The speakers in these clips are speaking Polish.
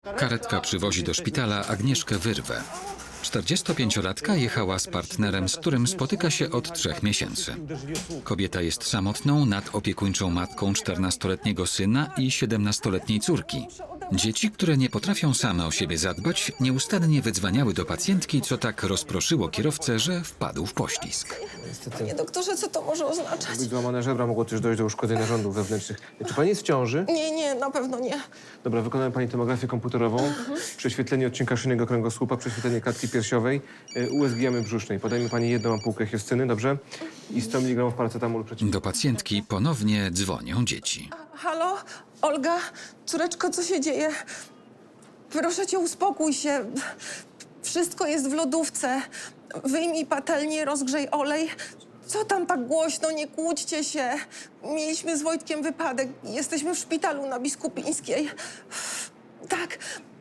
Karetka przywozi do szpitala Agnieszkę Wyrwę. 45-latka jechała z partnerem, z którym spotyka się od 3 miesięcy. Kobieta jest samotną, nadopiekuńczą matką 14-letniego syna i 17-letniej córki. Dzieci, które nie potrafią same o siebie zadbać, nieustannie wydzwaniały do pacjentki, co tak rozproszyło kierowcę, że wpadł w poślizg. Panie doktorze, co to może oznaczać? Być złamane żebra, mogło też dojść do uszkodzeń narządów wewnętrznych. Czy pani jest w ciąży? Nie, na pewno nie. Dobra, wykonamy pani tomografię komputerową, prześwietlenie odcinka szyjnego kręgosłupa, prześwietlenie klatki piersiowej, USG jamy brzusznej. Podajmy pani jedną ampułkę hioscyny, dobrze? I 100 mg paracetamolu przeciw... Do pacjentki ponownie dzwonią dzieci. Halo? Olga? Córeczko, co się dzieje? Proszę cię, uspokój się. Wszystko jest w lodówce. Wyjmij patelnię, rozgrzej olej. Co tam tak głośno? Nie kłóćcie się. Mieliśmy z Wojtkiem wypadek. Jesteśmy w szpitalu na Biskupińskiej. Tak,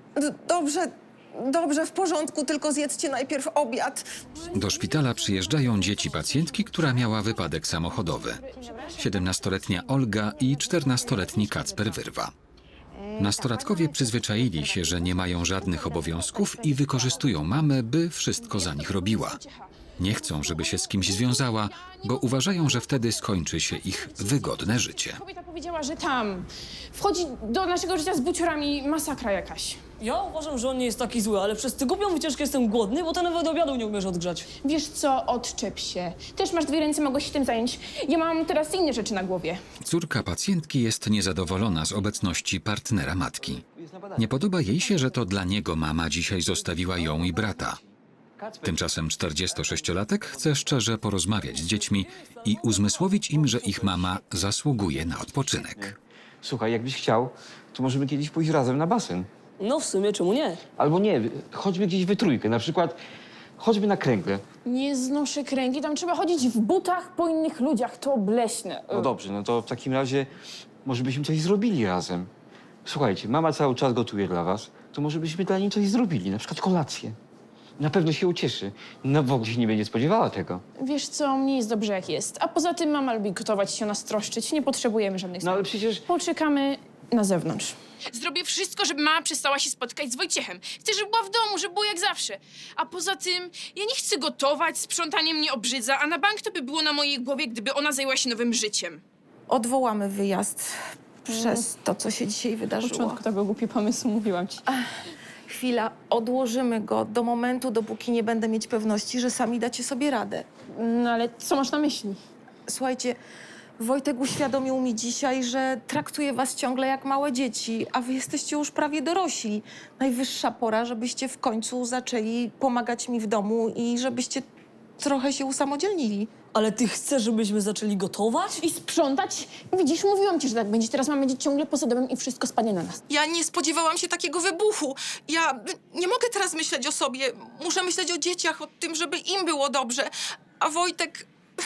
dobrze, w porządku, tylko zjedzcie najpierw obiad. Do szpitala przyjeżdżają dzieci pacjentki, która miała wypadek samochodowy. 17-letnia Olga i 14-letni Kacper Wyrwa. Nastolatkowie przyzwyczaili się, że nie mają żadnych obowiązków i wykorzystują mamę, by wszystko za nich robiła. Nie chcą, żeby się z kimś związała, bo uważają, że wtedy skończy się ich wygodne życie. Kobieta powiedziała, że tam wchodzi do naszego życia z buciorami masakra jakaś. Ja uważam, że on nie jest taki zły, ale przez tę głupią wycieczkę jestem głodny, bo ty nawet obiadu nie umiesz odgrzać. Wiesz co, odczep się. Też masz 2 ręce, mogłeś się tym zająć. Ja mam teraz inne rzeczy na głowie. Córka pacjentki jest niezadowolona z obecności partnera matki. Nie podoba jej się, że to dla niego mama dzisiaj zostawiła ją i brata. Tymczasem 46-latek chce szczerze porozmawiać z dziećmi i uzmysłowić im, że ich mama zasługuje na odpoczynek. Słuchaj, jakbyś chciał, to możemy kiedyś pójść razem na basen. No w sumie, czemu nie? Albo nie, chodźmy gdzieś we trójkę, na przykład chodźmy na kręgle. Nie znoszę kręgi, tam trzeba chodzić w butach po innych ludziach, to obleśne. No dobrze, no to w takim razie może byśmy coś zrobili razem. Słuchajcie, mama cały czas gotuje dla was, to może byśmy dla niej coś zrobili, na przykład kolację. Na pewno się ucieszy. No w ogóle się nie będzie spodziewała tego. Wiesz co, mnie jest dobrze jak jest. A poza tym mama lubi gotować i się nas troszczyć. Nie potrzebujemy żadnych No ale przecież... Poczekamy na zewnątrz. Zrobię wszystko, żeby mama przestała się spotykać z Wojciechem. Chcę, żeby była w domu, żeby było jak zawsze. A poza tym, ja nie chcę gotować, sprzątanie mnie obrzydza, a na bank to by było na mojej głowie, gdyby ona zajęła się nowym życiem. Odwołamy wyjazd przez to, co się dzisiaj W wydarzyło. początku to był głupi pomysł, mówiłam ci. Chwila, odłożymy go do momentu, dopóki nie będę mieć pewności, że sami dacie sobie radę. No ale co masz na myśli? Słuchajcie, Wojtek uświadomił mi dzisiaj, że traktuje was ciągle jak małe dzieci, a wy jesteście już prawie dorośli. Najwyższa pora, żebyście w końcu zaczęli pomagać mi w domu i żebyście trochę się usamodzielnili. Ale ty chcesz, żebyśmy zaczęli gotować? I sprzątać? Widzisz, mówiłam ci, że tak będzie. Teraz mamy być ciągle poza domem i wszystko spadnie na nas. Ja nie spodziewałam się takiego wybuchu. Ja nie mogę teraz myśleć o sobie. Muszę myśleć o dzieciach, o tym, żeby im było dobrze. A Wojtek...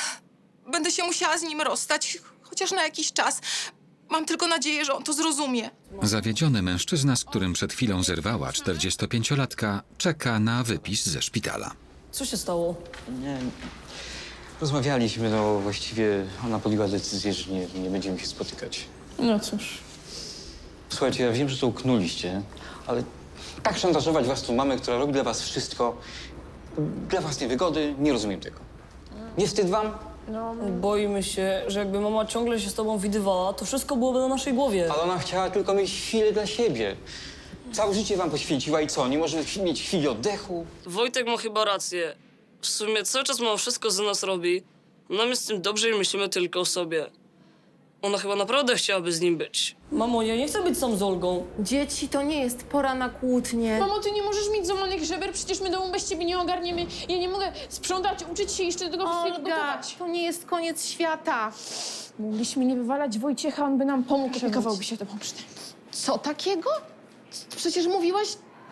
Będę się musiała z nim rozstać, chociaż na jakiś czas. Mam tylko nadzieję, że on to zrozumie. Zawiedziony mężczyzna, z którym przed chwilą zerwała 45-latka, czeka na wypis ze szpitala. Co się stało? Nie, rozmawialiśmy, no właściwie ona podjęła decyzję, że nie będziemy się spotykać. No cóż. Słuchajcie, ja wiem, że to uknuliście, ale tak szantażować was tu mamę, która robi dla was wszystko, dla własnej wygody, nie rozumiem tego. Nie wstyd wam? Boimy się, że jakby mama ciągle się z tobą widywała, to wszystko byłoby na naszej głowie. Ale ona chciała tylko mieć chwilę dla siebie. Całe życie wam poświęciła i co, nie może mieć chwili oddechu? Wojtek ma chyba rację. W sumie cały czas mama wszystko za nas robi. Nam jest z tym dobrze i myślimy tylko o sobie. Ona chyba naprawdę chciałaby z nim być. Mamo, ja nie chcę być sam z Olgą. Dzieci, to nie jest pora na kłótnie. Mamo, ty nie możesz mieć złamanych żeber, przecież my domu bez ciebie nie ogarniemy. Ja nie mogę sprzątać, uczyć się i jeszcze do tego wszystkiego Olga, gotować. to nie jest koniec świata. Mogliśmy nie wywalać Wojciecha, on by nam pomógł, opiekowałby się tobą przynajmniej. Co takiego? Przecież mówiłaś...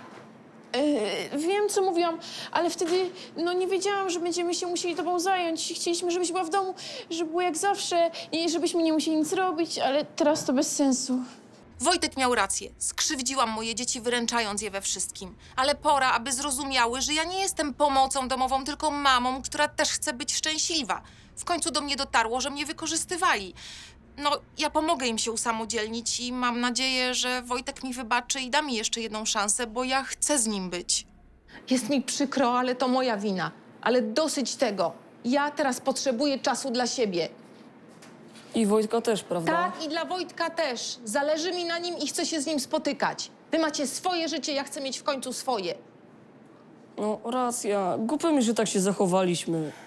Wiem, co mówiłam, ale wtedy nie wiedziałam, że będziemy się musieli tobą zająć. Chcieliśmy, żebyś była w domu, żeby było jak zawsze i żebyśmy nie musieli nic robić, ale teraz to bez sensu. Wojtek miał rację. Skrzywdziłam moje dzieci, wyręczając je we wszystkim. Ale pora, aby zrozumiały, że ja nie jestem pomocą domową, tylko mamą, która też chce być szczęśliwa. W końcu do mnie dotarło, że mnie wykorzystywali. No, ja pomogę im się usamodzielnić i mam nadzieję, że Wojtek mi wybaczy i da mi jeszcze jedną szansę, bo ja chcę z nim być. Jest mi przykro, ale to moja wina. Ale dosyć tego. Ja teraz potrzebuję czasu dla siebie. I Wojtka też, prawda? Tak, i dla Wojtka też. Zależy mi na nim i chcę się z nim spotykać. Wy macie swoje życie, ja chcę mieć w końcu swoje. No, racja. Głupio mi, że tak się zachowaliśmy.